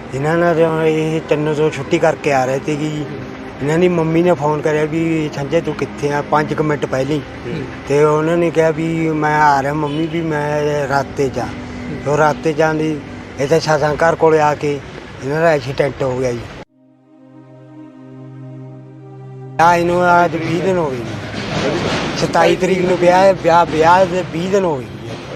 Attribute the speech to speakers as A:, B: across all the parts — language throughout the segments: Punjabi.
A: ਇਹਨਾਂ ਨਾਲ ਇਹ 3 ਤੋਂ ਛੁੱਟੀ ਕਰਕੇ ਆ ਰਹੇ ਸੀਗੇ ਜੀ। ਇਹਨਾਂ ਦੀ ਮੰਮੀ ਨੇ ਫੋਨ ਕਰਿਆ ਵੀ ਸੰਜੇ ਤੂੰ ਕਿੱਥੇ ਆ 5 ਮਿੰਟ ਪਹਿਲਾਂ ਤੇ ਉਹਨਾਂ ਨੇ ਕਿਹਾ ਵੀ ਮੈਂ ਆ ਰਿਹਾ ਮੰਮੀ ਵੀ ਮੈਂ ਰਾਤੇ 'ਚ ਉਹ ਰਾਤੇ ਜਾਂਦੀ ਇੱਥੇ ਸਾਸਾਂ ਘਰ ਕੋਲ ਆ ਕੇ ਇਹਨਾਂ ਦਾ ਐਕਸੀਡੈਂਟ ਹੋ ਗਿਆ ਜੀ। ਇਹਨੂੰ ਅੱਜ 20 ਦਿਨ ਹੋ ਗਏ ਜੀ। 27 ਤਰੀਕ ਨੂੰ ਵਿਆਹ ਦੇ 20 ਦਿਨ ਹੋ ਗਏ।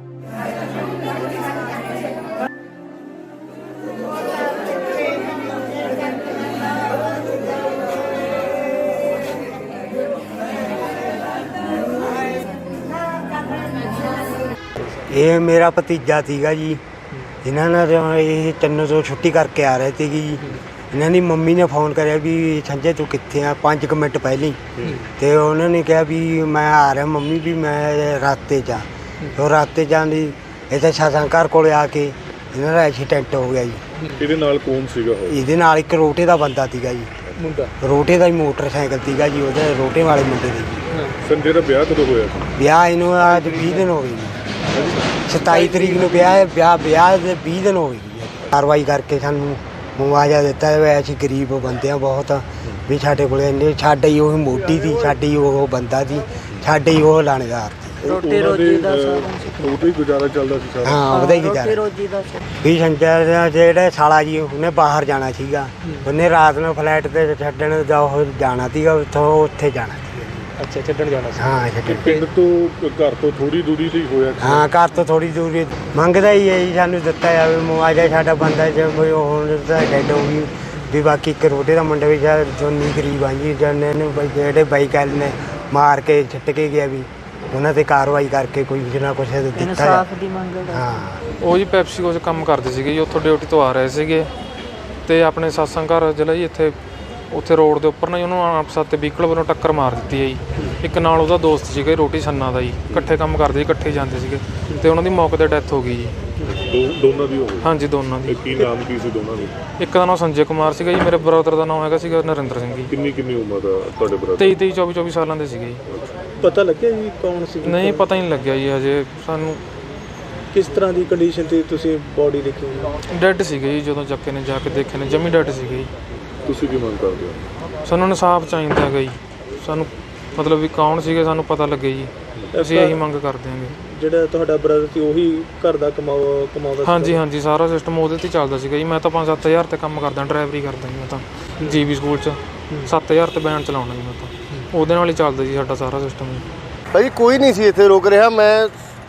A: ਇਹ ਮੇਰਾ ਭਤੀਜਾ ਸੀਗਾ ਜੀ। ਇਹਨਾਂ ਨਾਲ ਇਹ 3 ਤੋਂ ਛੁੱਟੀ ਕਰਕੇ ਆ ਰਹੇ ਸੀਗੇ ਜੀ। ਇਹਨਾਂ ਦੀ ਮੰਮੀ ਨੇ ਫੋਨ ਕਰਿਆ ਵੀ ਸੰਜੇ ਤੂੰ ਕਿੱਥੇ ਆ 5 ਮਿੰਟ ਪਹਿਲਾਂ ਤੇ ਉਹਨਾਂ ਨੇ ਕਿਹਾ ਵੀ ਮੈਂ ਆ ਰਿਹਾ ਮੰਮੀ ਵੀ ਮੈਂ ਰਾਤੇ 'ਚ ਉਹ ਰਾਤੇ ਜਾਂਦੀ ਇੱਥੇ ਸਾਸਾਂ ਘਰ ਕੋਲ ਆ ਕੇ ਇਹਨਾਂ ਦਾ ਐਕਸੀਡੈਂਟ ਹੋ ਗਿਆ ਜੀ।
B: ਇਹਦੇ ਨਾਲ ਕੌਣ ਸੀਗਾ?
A: ਇਹਦੇ ਨਾਲ ਇੱਕ ਰੋਟੇ ਦਾ ਬੰਦਾ ਸੀਗਾ ਜੀ।
B: ਮੁੰਡਾ
A: ਰੋਟੇ ਦਾ ਹੀ ਮੋਟਰਸਾਈਕਲ ਸੀਗਾ ਜੀ। ਉਹਦੇ ਰੋਟੇ ਵਾਲੇ ਮੁੰਡੇ ਦੇ ਜੀ।
B: ਸੰਜੇ ਦਾ ਵਿਆਹ ਕਦੋਂ ਹੋਇਆ?
A: ਵਿਆਹ ਇਹਨੂੰ ਅੱਜ 20 ਦਿਨ ਹੋ ਗਏ ਜੀ। 27 ਤਰੀਕ ਨੂੰ ਵਿਆਹ ਦੇ 20 ਦਿਨ ਹੋ ਗਏ ਜੀ। ਕਾਰਵਾਈ ਕਰਕੇ ਸਾਨੂੰ ਮੁਆਵਜ਼ਾ ਦਿੱਤਾ ਹੈ। ਅਸੀਂ ਗਰੀਬ ਬੰਦੇ ਆ ਬਹੁਤ ਵੀ ਸਾਡੇ ਕੋਲ ਇੰਨੇ ਸਾਡੇ ਹੀ ਉਹ ਮੋਢੀ ਦੀ ਸਾਡੀ ਉਹ ਬੰਦਾ ਦੀ ਸਾਡੇ ਹੀ ਉਹ ਲਾਣੇਦਾਰ ਦੀ
C: ਰੋਟੀ ਰੋਜੀ ਦਾ
B: ਉਹਦਾ ਹੀ ਗੁਜ਼ਾਰਾ ਚੱਲਦਾ ਸੀ ਸਾਰਾ।
A: ਹਾਂ ਉਹਦਾ ਹੀ ਗੁਜ਼ਾਰਾ
C: ਰੋਜੀ ਦਾ
A: ਵੀ ਸੰਜੇ ਦਾ ਜਿਹੜਾ ਸਾਲਾ ਜੀ ਉਹਨੇ ਬਾਹਰ ਜਾਣਾ ਸੀਗਾ। ਉਹਨੇ ਰਾਤ ਨੂੰ ਫਲੈਟ ਤੇ ਛੱਡਣ ਦਾ ਉਹ ਜਾਣਾ ਸੀਗਾ ਉੱਥੇ ਜਾਣਾ।
C: ਅੱਛਾ ਛੱਡਣ ਜਾਣਾ ਸੀ।
A: ਹਾਂ ਛੱਡਣ।
B: ਪਿੰਡ ਤੋਂ ਘਰ ਤੋਂ ਥੋੜੀ ਦੂਰੀ ਤੇ ਹੋਇਆ?
A: ਹਾਂ ਘਰ ਤੋਂ ਥੋੜੀ ਦੂਰੀ ਮੰਗਦਾ ਹੀ ਹੈ ਜੀ। ਸਾਨੂੰ ਦਿੱਤਾ ਜਾਵੇ ਮੁਆਵਜ਼ਾ। ਸਾਡਾ ਬੰਦਾ ਜੇ ਹੁਣ ਤਾਂ ਡੈਡ ਹੋ ਗਈ ਵੀ ਬਾਕੀ ਇੱਕ ਰੋਟੇ ਦਾ ਮੁੰਡਾ ਵੀ ਜੋਨੀ ਗਰੀਬ ਆ ਜੀ। ਜਿਹੜੇ ਬਾਈਕ ਵਾਲੇ ਨੇ ਮਾਰ ਕੇ ਛੱਟ ਕੇ ਗਿਆ ਵੀ ਉਹਨਾਂ ਤੇ ਕਾਰਵਾਈ ਕਰਕੇ ਕੋਈ ਕੁਝ ਨਾ ਕੁਛ ਦਿੱਤਾ
C: ਇਨਸਾਫ ਦੀ ਮੰਗ ਹੈ।
A: ਹਾਂ
D: ਉਹ ਜੀ ਪੈਪਸੀਕੋ 'ਚ ਕੰਮ ਕਰਦੇ ਸੀਗੇ ਜੀ। ਉੱਥੋਂ ਡਿਊਟੀ ਤੋਂ ਆ ਰਹੇ ਸੀਗੇ ਤੇ ਆਪਣੇ ਸਾਸਾਂ ਘਰ ਜ਼ਿਲ੍ਹਾ ਜੀ ਉੱਥੇ ਰੋਡ ਦੇ ਉੱਪਰ ਨਾ ਜੀ ਉਹਨੂੰ ਆਪਸ ਤੇ ਵਹੀਕਲ ਵੱਲੋਂ ਟੱਕਰ ਮਾਰ ਦਿੱਤੀ ਹੈ ਜੀ। ਇੱਕ ਨਾਲ ਉਹਦਾ ਦੋਸਤ ਸੀਗਾ ਰੋਟੀ ਛੰਨਾ ਦਾ ਜੀ। ਇਕੱਠੇ ਕੰਮ ਕਰਦੇ ਸੀ, ਇਕੱਠੇ ਜਾਂਦੇ ਸੀਗੇ ਤੇ ਉਹਨਾਂ ਦੀ ਮੌਕੇ 'ਤੇ ਡੈਥ ਹੋ ਗਈ ਜੀ।
B: ਦੋਨਾਂ ਦੀ ਹੋ ਗਈ?
D: ਹਾਂਜੀ ਦੋਨਾਂ ਦੀ।
B: ਕੀ ਨਾਮ ਕੀ ਸੀ ਦੋਨਾਂ ਦਾ?
D: ਇੱਕ ਦਾ ਨਾਮ ਸੰਜੇ ਕੁਮਾਰ ਸੀਗਾ ਜੀ। ਮੇਰੇ ਬ੍ਰਦਰ ਦਾ ਨਾਮ ਹੈਗਾ ਸੀਗਾ ਨਰਿੰਦਰ ਸਿੰਘ ਜੀ।
B: ਕਿੰਨੀ ਉਮਰ ਦਾ ਤੁਹਾਡੇ ਬ੍ਰਦਰ?
D: 23 24 ਸਾਲਾਂ ਦੇ ਸੀਗੇ ਜੀ।
C: ਪਤਾ ਲੱਗਿਆ ਜੀ ਕੌਣ ਸੀ?
D: ਨਹੀਂ ਪਤਾ ਹੀ ਨਹੀਂ ਲੱਗਿਆ ਜੀ ਹਜੇ ਸਾਨੂੰ।
C: ਕਿਸ ਤਰ੍ਹਾਂ ਦੀ ਕੰਡੀਸ਼ਨ ਤੇ ਤੁਸੀਂ ਬੋਡੀ ਦੇਖੀ?
D: ਡੈੱਡ ਸੀਗੇ ਜੀ। ਜਦੋਂ ਚੱਕੇ ਨੇ ਜਾ ਕੇ ਦੇਖੇ ਨੇ ਜਮੀ ਡੈੱਡ ਸੀਗੇ ਜੀ।
B: ਤੁਸੀਂ ਕੀ ਮੰਗ ਕਰਦੇ ਹੋ?
D: ਸਾਨੂੰ ਇਨਸਾਫ ਚਾਹੀਦਾ ਹੈਗਾ ਜੀ। ਸਾਨੂੰ ਮਤਲਬ ਵੀ ਕੌਣ ਸੀਗੇ ਸਾਨੂੰ ਪਤਾ ਲੱਗੇ ਜੀ। ਅਸੀਂ ਇਹੀ ਮੰਗ ਕਰਦੇ ਹਾਂਗੇ।
C: ਜਿਹੜਾ ਤੁਹਾਡਾ ਬ੍ਰਦਰ ਸੀ ਉਹੀ ਘਰ ਦਾ ਕਮਾਉਂਦਾ?
D: ਹਾਂਜੀ ਸਾਰਾ ਸਿਸਟਮ ਉਹਦੇ ਤੇ ਚੱਲਦਾ ਸੀਗਾ ਜੀ। ਮੈਂ ਤਾਂ 5-7 ਹਜ਼ਾਰ ਤੇ ਕੰਮ ਕਰਦਾ, ਡਰਾਈਵਰੀ ਕਰਦਾ ਜੀ। ਮੈਂ ਤਾਂ ਜੀਬੀ ਸਕੂਲ 'ਚ 7000 ਤੇ ਬੈਨ ਚਲਾਉਣਾ ਜੀ। ਮੈਂ ਤਾਂ ਉਹਦੇ ਨਾਲ ਹੀ ਚੱਲਦਾ ਜੀ ਸਾਡਾ ਸਾਰਾ ਸਿਸਟਮ ਜੀ।
E: ਭਾਈ ਕੋਈ ਨਹੀਂ ਸੀ ਇੱਥੇ ਰੁਕ ਰਿਹਾ। ਮੈਂ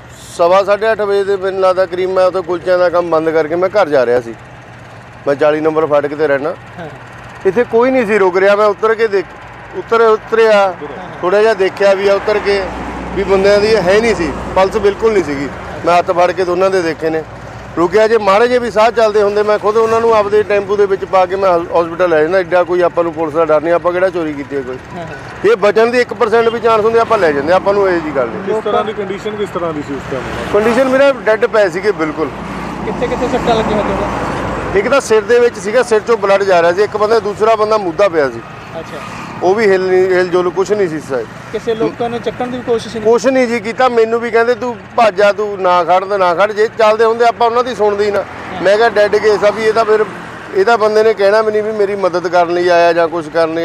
E: 8:30 ਵਜੇ ਦੇ ਮੈਨੂੰ ਲੱਗਦਾ ਕਰੀਬ ਮੈਂ ਉੱਥੇ ਕੁਲਚਿਆਂ ਦਾ ਕੰਮ ਬੰਦ ਕਰਕੇ ਮੈਂ ਘਰ ਜਾ ਰਿਹਾ ਸੀ। ਮੈਂ 40 ਨੰਬਰ ਫਾਟਕ ਤੇ ਰਹਿਣਾ। ਇੱਥੇ ਕੋਈ ਨਹੀਂ ਸੀ ਰੁਕ ਰਿਹਾ। ਮੈਂ ਉਤਰਿਆ ਥੋੜ੍ਹਾ ਜਿਹਾ ਦੇਖਿਆ ਵੀ ਆ ਉਤਰ ਕੇ ਵੀ ਬੰਦਿਆਂ ਦੀ ਹੈ ਨਹੀਂ ਸੀ, ਪਲਸ ਬਿਲਕੁਲ ਨਹੀਂ ਸੀਗੀ। ਮੈਂ ਹੱਥ ਫੜ ਕੇ ਦੋਨਾਂ ਦੇ ਦੇਖੇ ਨੇ। ਰੁਕਿਆ ਜੇ ਮਾੜੇ ਜੇ ਵੀ ਸਾਹ ਚੱਲਦੇ ਹੁੰਦੇ ਮੈਂ ਖੁਦ ਉਹਨਾਂ ਨੂੰ ਆਪਦੇ ਟੈਂਪੂ ਦੇ ਵਿੱਚ ਪਾ ਕੇ ਮੈਂ ਹਸਪੀਟਲ ਲੈ ਜਾਂਦਾ। ਐਡਾ ਕੋਈ ਆਪਾਂ ਨੂੰ ਪੁਲਿਸ ਦਾ ਡਰ ਨਹੀਂ। ਆਪਾਂ ਕਿਹੜਾ ਚੋਰੀ ਕੀਤੀ ਹੈ ਕੋਈ। ਇਹ ਬਚਣ ਦੀ 1% ਵੀ ਚਾਂਸ ਹੁੰਦੇ ਆਪਾਂ ਲੈ ਜਾਂਦੇ। ਆਪਾਂ ਨੂੰ ਇਹ ਜੀ ਗੱਲ ਨਹੀਂ।
B: ਕਿਸ ਤਰ੍ਹਾਂ ਦੀ ਕੰਡੀਸ਼ਨ ਕਿਸ ਤਰ੍ਹਾਂ ਦੀ ਸੀ ਉਸ ਟਾਈਮ?
E: ਕੰਡੀਸ਼ਨ ਮੇਰਾ ਡੈੱਡ ਪਏ ਸੀਗੇ ਬਿਲਕੁਲ।
C: ਕਿੱਥੇ ਸੱਟਾਂ ਲੱਗੀਆਂ ਹੋਈਆਂ?
E: ਇੱਕ ਤਾਂ ਸਿਰ ਦੇ ਵਿੱਚ ਸੀਗਾ, ਸਿਰ ਚੋਂ ਬਲੱਡ ਜਾ ਰਿਹਾ ਸੀ। ਇੱਕ ਬੰਦਾ ਦੂਸਰਾ ਬੰਦਾ ਮੁੱਦਾ ਪਿਆ ਸੀ।
C: ਅੱਛਾ
E: ਉਹ ਵੀ ਹਿਲ ਜੁਲ ਕੁਛ ਨਹੀਂ ਸੀ ਸਾਇਦ।
C: ਕਿਸੇ ਲੋਕਾਂ ਨੇ ਚੱਕਣ ਦੀ ਕੋਸ਼ਿਸ਼ ਨਹੀਂ?
E: ਕੁਛ ਨਹੀਂ ਜੀ ਕੀਤਾ। ਮੈਨੂੰ ਵੀ ਕਹਿੰਦੇ ਤੂੰ ਭੱਜ ਜਾ, ਤੂੰ ਨਾ ਖੜ। ਜੇ ਚੱਲਦੇ ਹੁੰਦੇ ਆਪਾਂ ਉਹਨਾਂ ਦੀ ਸੁਣਦੇ ਹੀ ਨਾ। ਮੈਂ ਕਿਹਾ ਡੈਡ ਕੇਸ ਆ ਵੀ ਇਹਦਾ ਫਿਰ ਇਹਦਾ ਬੰਦੇ ਨੇ ਕਹਿਣਾ ਵੀ ਨਹੀਂ ਵੀ ਮੇਰੀ ਮਦਦ ਕਰਨ ਲਈ ਆਇਆ ਜਾਂ ਕੁਛ ਕਰਨ ਲਈ।